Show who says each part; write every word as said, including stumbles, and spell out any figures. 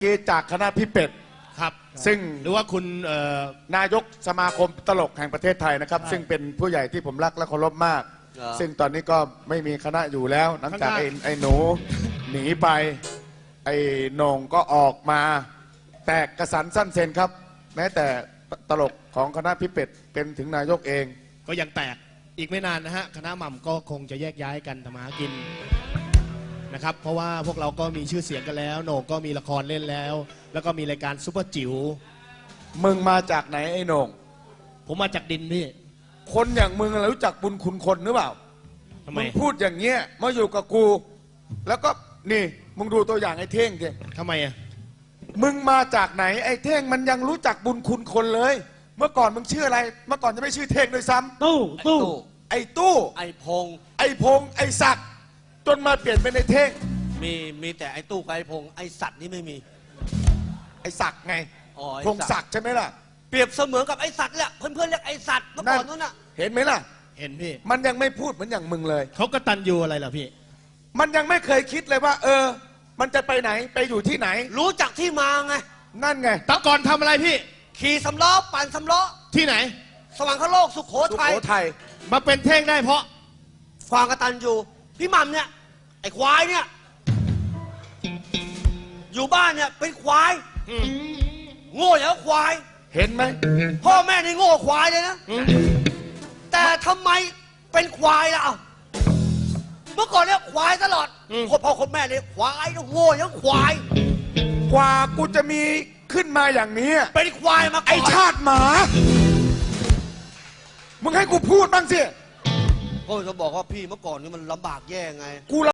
Speaker 1: กีจากคณะพี่เป็ด
Speaker 2: ครับ
Speaker 1: ซึ่ง
Speaker 2: หรือว่าคุณ
Speaker 1: นายกสมาคมตลกแห่งประเทศไทยนะครับซึ่งเป็นผู้ใหญ่ที่ผมรักและเคารพมากซึ่งตอนนี้ก็ไม่มีคณะอยู่แล้วหลังจากไอ้ไอ้หนูหนีไปไอ้โหน่งก็ออกมาแตกกระสันสั้นเซนครับแม้แต่ตลกของคณะพี่เป็ดเป็นถึงนายกเอง
Speaker 2: ก็ยังแตกอีกไม่นานนะฮะคณะหม่ำก็คงจะแยกย้ายกันทำมาหากินนะครับเพราะว่าพวกเราก็มีชื่อเสียงกันแล้วโหน่งก็มีละครเล่นแล้วแล้วก็มีรายการซุปเปอร์จิ๋ว
Speaker 1: มึงมาจากไหนไอ้โหน่ง
Speaker 2: ผมมาจากดินพี่
Speaker 1: คนอย่างมึงรู้จักบุญคุณคนหรือเปล่า
Speaker 2: ทำไม
Speaker 1: มึงพูดอย่างเงี้ยมาอยู่กับกูแล้วก็นี่มึงดูตัวอย่างไอ้เท่งดิ
Speaker 2: ทำไมอ่ะ
Speaker 1: มึงมาจากไหนไอ้เท่งมันยังรู้จักบุญคุณคนเลยเมื่อก่อนมึงชื่ออะไรเมื่อก่อนจะไม่ชื่อเท่งด้วยซ้ำ
Speaker 3: ตู้ตู้
Speaker 1: ไอ้ตู้
Speaker 3: ไอ้พง
Speaker 1: ไอ้พงไอ้ศักดิ์จนมาเปลี่ยนเป็นไอ้เท่ง
Speaker 3: มีมีแต่ไอ้ตู้กับไอ้พงไอ้สัตว์นี่ไม่มี
Speaker 1: ไอ้ศักดิ์ไง
Speaker 3: อ๋อ
Speaker 1: พงศักดิ์ใช่ไหมล่ะ
Speaker 3: เปรียบเสมือนกับไอ้สัตว์แหละเพื่อนๆเรียกไอ้สัตว์เมื่อก่อนนู้นน่ะ
Speaker 1: เห็นไหมล่ะ
Speaker 2: เห็นพี่
Speaker 1: มันยังไม่พูดเหมือนอย่างมึงเลย
Speaker 2: เขากตัญญูอะไรล่ะพี่
Speaker 1: มันยังไม่เคยคิดเลยว่า เออมันจะไปไหนไปอยู่ที่ไหน
Speaker 3: รู้จักที่มาไง
Speaker 1: นั่นไง
Speaker 2: ตะก่อนทำอะไรพี่
Speaker 3: ขี่สำล้อปั่นสำล้อ
Speaker 2: ที่ไหน
Speaker 3: สวรรคโลกสุโขทัย
Speaker 1: สุโขทัย
Speaker 2: มาเป็นเท่งได้เพราะ
Speaker 3: ความกตัญญูพี่หม่ำเนี่ยไอ้ควายเนี่ยอยู่บ้านเนี่ยเป็นควายโง่อย่างควาย
Speaker 1: เห็นไหม
Speaker 3: พ่อแม่นี่โง่ควายเลยนะแต่ทำไมเป็นควายล่ะเมื่อก่อนเนี่ยควายตลอดคนพ่อคนแม่เนี่ยควายโง่อย่างควาย
Speaker 1: กว่ากูจะมีขึ้นมาอย่างนี้
Speaker 3: เป็นควายมาก่อน
Speaker 1: ไอชาติหมามึงให้กูพูดบ้างสิ
Speaker 3: ก็จะบอกว่าพี่เมื่อก่อนนี่มันลำบากแย่ไง
Speaker 1: กู